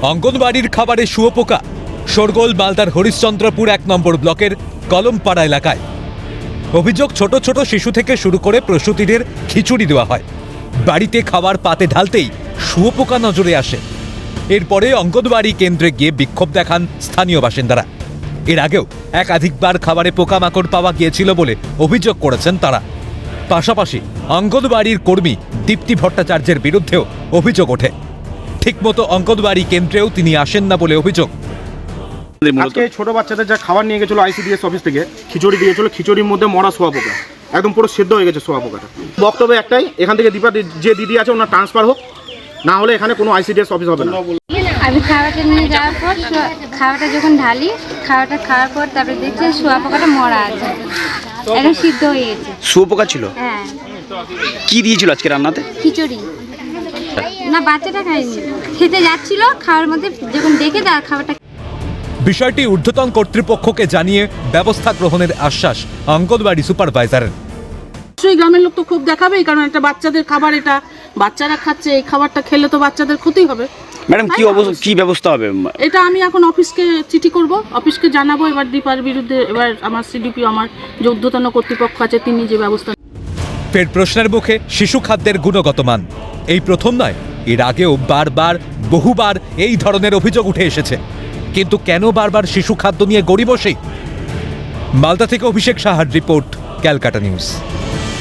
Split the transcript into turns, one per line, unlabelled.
অঙ্গনবাড়ির খাবারে শুয়োপোকা, শোরগোল মালদার হরিশ্চন্দ্রপুর 1 নম্বর ব্লকের কলমপাড়া এলাকায়। অভিযোগ, ছোট ছোট শিশু থেকে শুরু করে প্রসূতিদের খিচুড়ি দেওয়া হয়, বাড়িতে খাবার পাতে ঢালতেই শুয়োপোকা নজরে আসে। এরপরে অঙ্গনবাড়ি কেন্দ্রে গিয়ে বিক্ষোভ দেখান স্থানীয় বাসিন্দারা। এর আগেও একাধিকবার খাবারে পোকামাকড় পাওয়া গিয়েছিল বলে অভিযোগ করেছেন তারা। পাশাপাশি অঙ্গনবাড়ির কর্মী দীপ্তি ভট্টাচার্যের বিরুদ্ধেও অভিযোগ ওঠে। ঠিকমতো অঙ্গনবাড়ি কেন্দ্রেও তিনি আসেন না বলে অভিযোগ।
আজকে ছোট বাচ্চাদের যা খাবার নিয়ে গেছিল আইসিডিএস অফিস থেকে, খিচুড়ি দিয়েছিল, খিচুড়ির মধ্যে মরা শুয়োপোকা, একদম পুরো সেদ্ধ হয়ে গেছে শুয়োপোকাটা। বক্তব্য একটাই, এখান থেকে দীপা যে দিদি আছে ওনার ট্রান্সফার হোক, না হলে এখানে কোনো আইসিডিএস অফিস হবে না।
আমি খাবারটা নিয়ে যাওয়ার পর খাবারটা যখন ঢালি, খাবারটা খাওয়ার পর তারপরে দেখছি শুয়োপোকাটা মরা আছে, একদম সিদ্ধ হয়ে গেছে।
শুয়োপোকা ছিল?
হ্যাঁ।
কি দিয়েছিল আজকে রান্নাতে?
খিচুড়ি। না, বাচ্চাটা খায়নি, খেতে যাচ্ছিল, খাওয়ার মধ্যে যখন দেখে তার খাবারটা।
বিষয়টি ঊর্ধ্বতন কর্তৃপক্ষকে জানিয়ে ব্যবস্থা গ্রহণের আশ্বাস অঙ্গনবাড়ি সুপারভাইজারের।
অবশ্যই গ্রামের লোক তো খুব দেখাবেই, কারণ একটা বাচ্চাদের খাবার, এটা বাচ্চারা খাচ্ছে, এই খাবারটা খেলে তো বাচ্চাদের ক্ষতি হবে।
ম্যাডাম কি ব্যবস্থা হবে?
এটা আমি এখন অফিসকে চিঠি করব, অফিসকে জানাবো। এবার দীপার বিরুদ্ধে এবার আমার সিডিপি, আমার যে ঊর্ধ্বতন কর্তৃপক্ষ আছে, তিনি যে ব্যবস্থা।
ফের প্রশ্নের মুখে শিশু খাদ্যের গুণগত মান। এই প্রথম নয়, এর আগেও বহুবার এই ধরনের অভিযোগ উঠে এসেছে। কিন্তু কেন বারবার শিশু খাদ্য নিয়ে গড়িমসি? মালদা থেকে অভিষেক সাহার রিপোর্ট, ক্যালকাটা নিউজ।